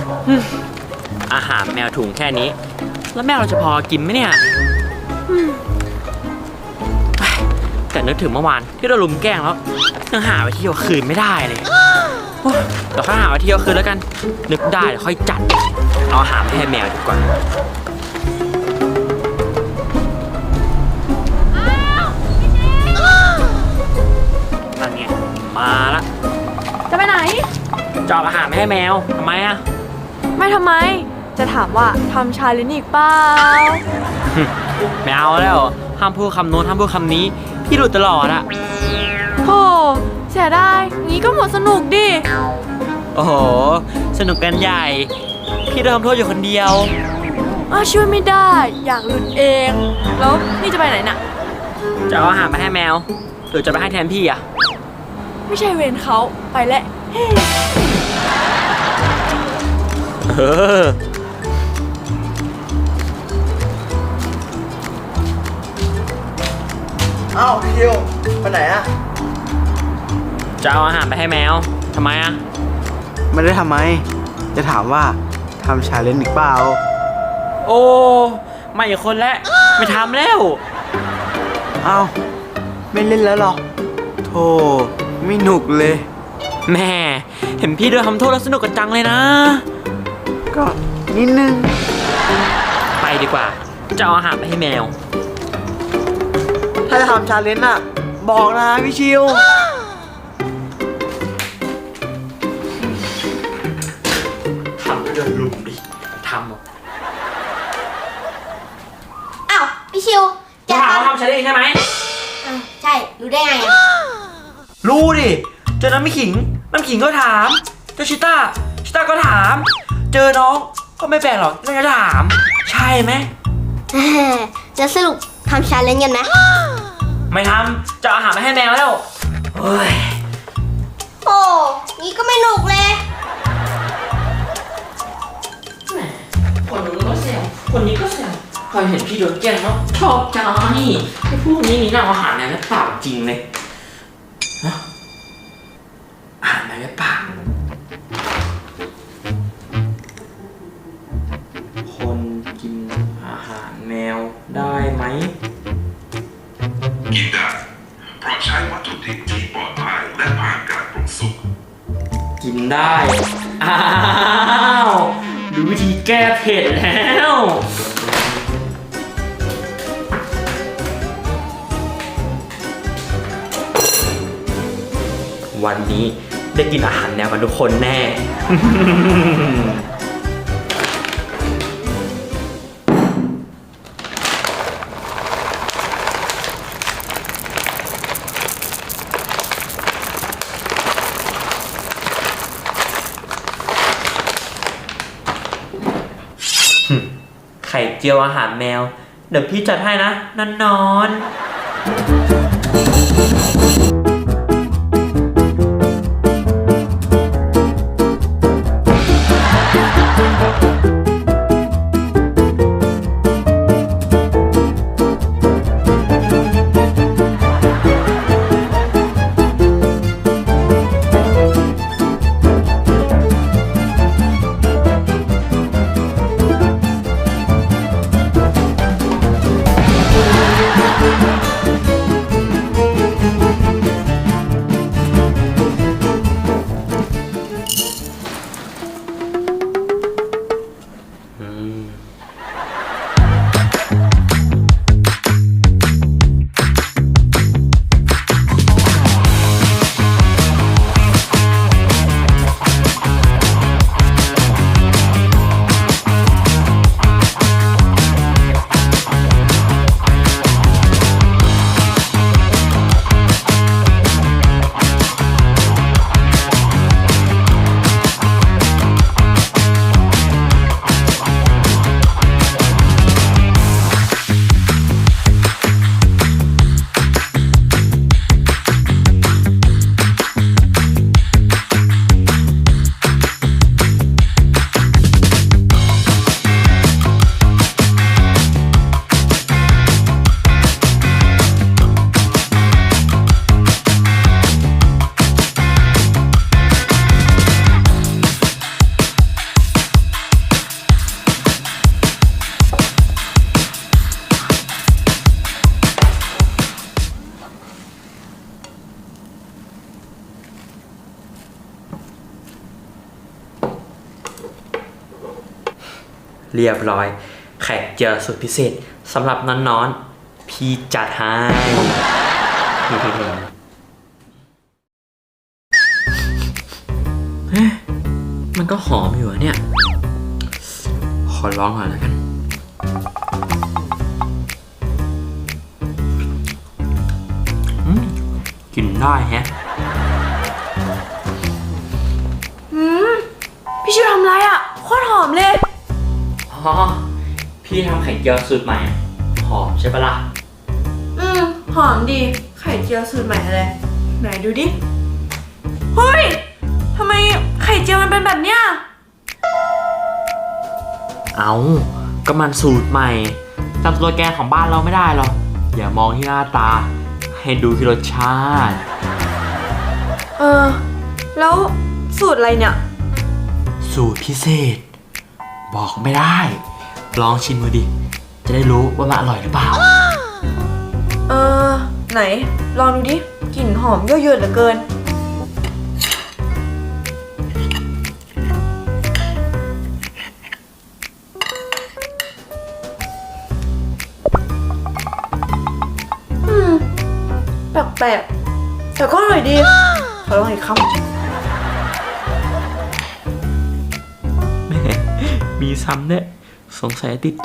อาหารแมวถุงแค่นี้แล้วแมวเราจะพอกินไหมเนี่ยแต่นึกถึงเมื่อวานที่เราลุมแกล้งแล้วยังหาไปเที่ยวคืนไม่ได้เลยเดี๋ยวค่อยหาไปเที่ยวคืนแล้วกันนึกได้เดี๋ยวค่อยจัดเอาอาหารให้แมวดีกว่านั่นไงมาละจะไปไหนจะเอาอาหารให้แมวทำไมอะไม่ทำไมจะถามว่าทำชาเลนจ์อีกเปล่าไม่เอาแล้วห้ามพูดคำโน้นห้ามพูดคำนี้พี่หลุดตลอดอะโหเสียดายงี้ก็หมดสนุกดิโอ้โหสนุกกันใหญ่พี่โดนทำโทษอยู่คนเดียวช่วยไม่ได้อยากหลุดเองแล้วนี่จะไปไหนน่ะจะเอาอาหารมาให้แมวหรือจะไปให้แทนพี่อะไม่ใช่เวรเขาไปแล้วเอ้าพี่คิวไปไหนอะจะเอาอาหารไปให้แมวทำไมอะไม่ได้ทำไมจะถามว่าทำชาเลนจ์อีกเปล่าโอ้ไม่อีกคนแล้วไม่ทำแล้วเอ้าไม่เล่นแล้วหรอโธ่ไม่หนุกเลยแม่เห็นพี่โดนทำโทษแล้วสนุกกันจังเลยนะก็นิดนึงไปดีกว่าจะเอาอาหารไปให้แมวถ้าจะทำชาเลนจ์อะบอกนะพี่ชิวทำก็เดินลุมดิทำอ้าวพี่ชิวจะถามว่าทำชาเลนจ์ใช่ไหมใช่รู้ได้ไงรู้ดิเจอน้ำขิงก็ถามเจอชิต้าก็ถามเจอน้องก็ไม่แปลกหรอกน่าจะถามใช่ไหมจะสรุปทำชาเลนจ์กันไหมไม่ทำจะเอาอาหารมาให้แมวแล้วเฮ้ยโอ้นี่ก็ไม่หนุกเลยคนนู้นก็แซวคนนี้ก็แซวพอเห็นพี่โดนแกล้งแล้วชอบใจไอ้พวกนี้นี่น่าอาหารเนี่ยเปล่าจริงเลยอาหารอะไรเปล่าคนกินอาหารแมวได้ไหมกินได้เพราะใช้วัตถุดิบที่ปลอดภัยและผ่านการปรุงสุกกินได้อ้าวดูวิธีแก้เผ็ดแล้ววันนี้ได้กินอาหารแนวกันทุกคนแน่ไข่เจียวอาหารแมวเดี๋ยวพี่จัดให้นะนอนเรียบร้อยไข่เจียวสุดพิเศษสำหรับน้อนๆพี่จัดให้ เฮ้ยมันก็หอมอยู่อะเนี่ย ขอลองหน่อยแล้วกันกินได้แฮะพี่ชิวทำไรอ่ะโคตรหอมเลยอ๋อ พี่ทำไข่เจียวสูตรใหม่ หอมใช่ปะล่ะหอมดีไข่เจียวสูตรใหม่อะไรไหนดูดิเฮ้ยทำไมไข่เจียวมันเป็นแบบเนี้ยเอาก็มันสูตรใหม่จำสโลแกนของบ้านเราไม่ได้หรอก อย่ามองที่หน้าตา ให้ดูที่รสชาติแล้วสูตรอะไรเนี่ยสูตรพิเศษ บอกไม่ได้ ลองชิมดูดิ จะได้รู้ว่ามันอร่อยหรือเปล่าไหนลองดูดิกลิ่นหอมเยอะๆเหลือเกินแปลกๆแต่ก็อร่อยดีขอลองอีกคำแม่มีซ้ำเนี่ยสงสัยติดใจ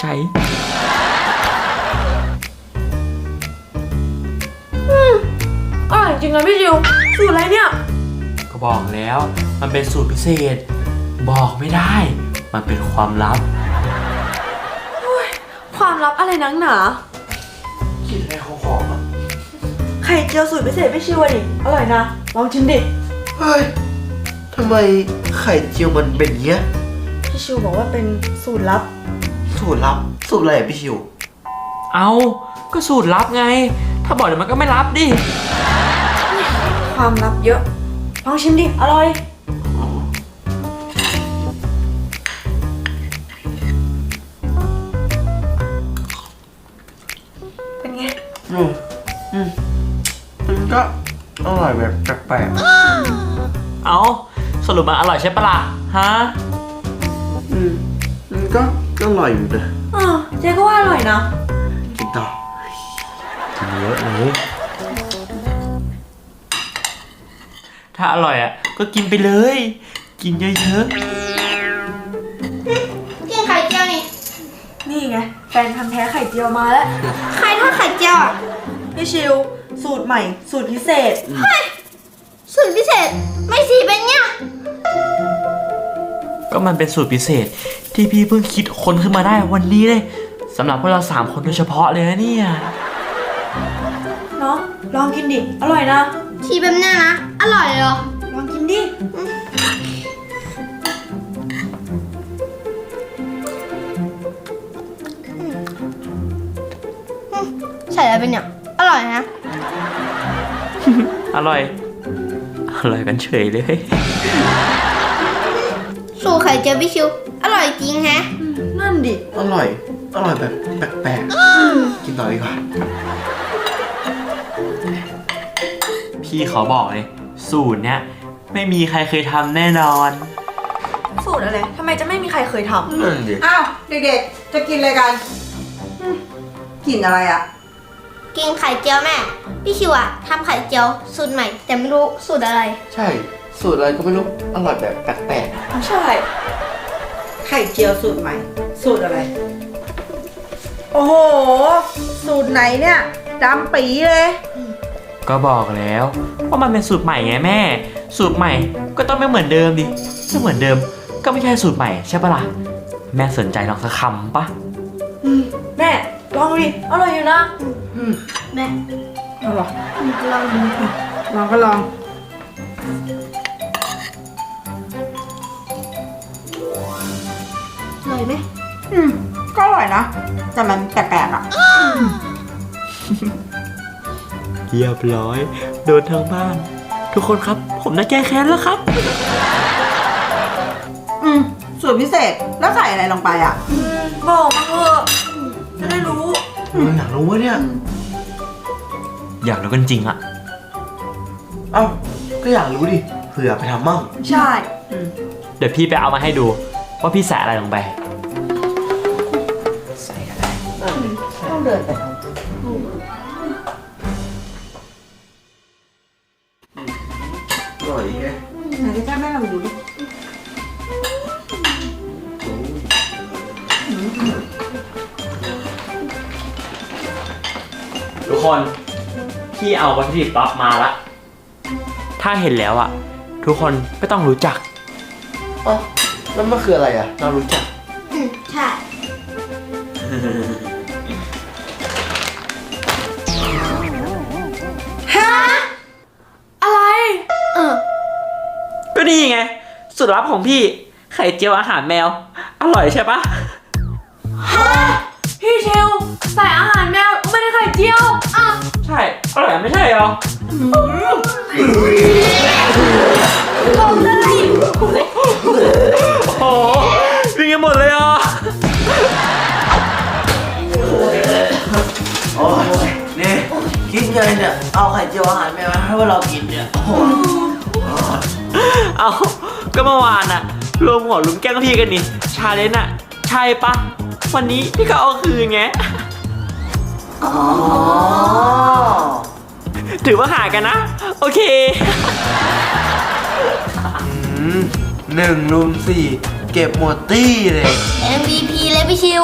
อร่อยจริงนะพี่จิวสูตรอะไรเนี่ยก็บอกแล้วมันเป็นสูตรพิเศษ บอกไม่ได้ มันเป็นความลับความลับอะไรนักหนากินอะไรหอมๆอ่ะไข่เจียวสูตรพิเศษพี่ชิวดิอร่อยนะลองชิมดิเฮ้ยทำไมไข่เจียวมันเป็นเงี้ยพี่ชิวบอกว่าเป็นสูตรลับสูตรลับ สูตรอะไรอ่ะพี่ชิวเอาก็สูตรลับไง ถ้าบอกเดี๋ยวมันก็ไม่ลับดิความลับเยอะลองชิมดิอร่อยเป็นไงมันก็อร่อยแบบแปลกเอาสรุปมันอร่อยใช่ปะล่ะ ฮะมันก็อร่อยอยู่นะเจ๊ก็ว่าอร่อยนะกินต่อกินเยอะเลย ถ้าอร่อยอ่ะ ก็กินไปเลย กินเยอะกินไข่เจียวนี่นี่ไงแฟนพันธ์แท้ไข่เจียวมาแล้วใครทอดไข่เจียวอ่ะพี่ชิวสูตรใหม่สูตรพิเศษสูตรพิเศษ ไม่สีเป็นเนี้ยๆ ก็มันเป็นสูตรพิเศษ ที่พี่เพิ่งคิดค้นขึ้นมาได้วันนี้เลยสำหรับพวกเรา3 คนโดยเฉพาะเลยนะเนี่ยเนาะลองกินดิอร่อยนะสีแบบเนี้ยนะ อร่อยเหรอลองกินดิใส่อะไรเป็นเนี่ย อร่อยนะอร่อย อร่อยกันเฉยเลยสูตรไข่เจียวพี่ชิว อร่อยจริงแฮะนั่นดิอร่อย อร่อยแบบแปลกๆ กินต่อดีกว่าพี่ขอบอกเลย สูตรเนี้ยไม่มีใครเคยทำแน่นอนสูตรอะไรทำไมจะไม่มีใครเคยทำนั่นดิอ้าวเด็กๆ จะกินอะไรกันกินอะไรอ่ะกินไข่เจียวแม่ พี่ชิวอะทำไข่เจียวสูตรใหม่ แต่ไม่รู้สูตรอะไรใช่ สูตรอะไรก็ไม่รู้ อร่อยแบบแปลกใช่ไข่เจียวสูตรใหม่ สูตรอะไร โอ้โห สูตรไหนเนี่ยดำปีเลยก็บอกแล้วว่ามันเป็นสูตรใหม่ไงแม่ สูตรใหม่ก็ต้องไม่เหมือนเดิมดิถ้าเหมือนเดิมก็ไม่ใช่สูตรใหม่ใช่ปะล่ะ แม่สนใจลองสักคำปะแม่ลองดูดิอร่อยอยู่นะแม่เอาเหรอลองดูลองก็ลองอร่อยไหมก็อร่อยนะ แต่มันแปลกๆอ่ะเรียบร้อย โดนทั้งบ้าน ทุกคนครับ ผมจะแก้แค้นแล้วครับสูตรพิเศษ แล้วใส่อะไรลงไปอ่ะบอกมาเถอะจะได้รู้ๆอยากรู้ว่าเนี่ยอยากรู้กันจริงอะเอ้า ก็อยากรู้ดิ เผื่อไปทำมั่งใช่เดี๋ยวพี่ไปเอามาให้ดูว่าพี่ใส่อะไรลงไปต้องเดินไปทำอร่อยไงไหนจะแม่ลองดูดิทุกคนพี่เอาวัตถุดิบลับมาละถ้าเห็นแล้วอ่ะ ทุกคนไม่ต้องรู้จักอ๋อแล้วมันคืออะไรอ่ะ เรารู้จักใช่อะไรก็นี่ไงสูตรลับของพี่ไข่เจียวอาหารแมว อร่อยใช่ปะพี่เชลใส่อาหารแมวไม่ได้ไข่เจียวอ่ะใช่อร่อยไม่ใช่เหรอบอกเลยโอ้โหวิ่งกันหมดเลยอ่ะโอ้ยนี่คิดไงเนี่ย เอาไข่เจียวอาหารแมวมาให้พวกเรากินเนี่ย โอ้โหเอาก็เมื่อวานอะรวมหัวลุมแกล้งพี่กันนี่ชาเลนจ์อะใช่ปะวันนี้พี่ก็เอาคืนไงอ๋อถือว่าหากันนะ โอเค 1 รุม 4 เก็บหมดตี้เลย MVP เลยพี่ชิว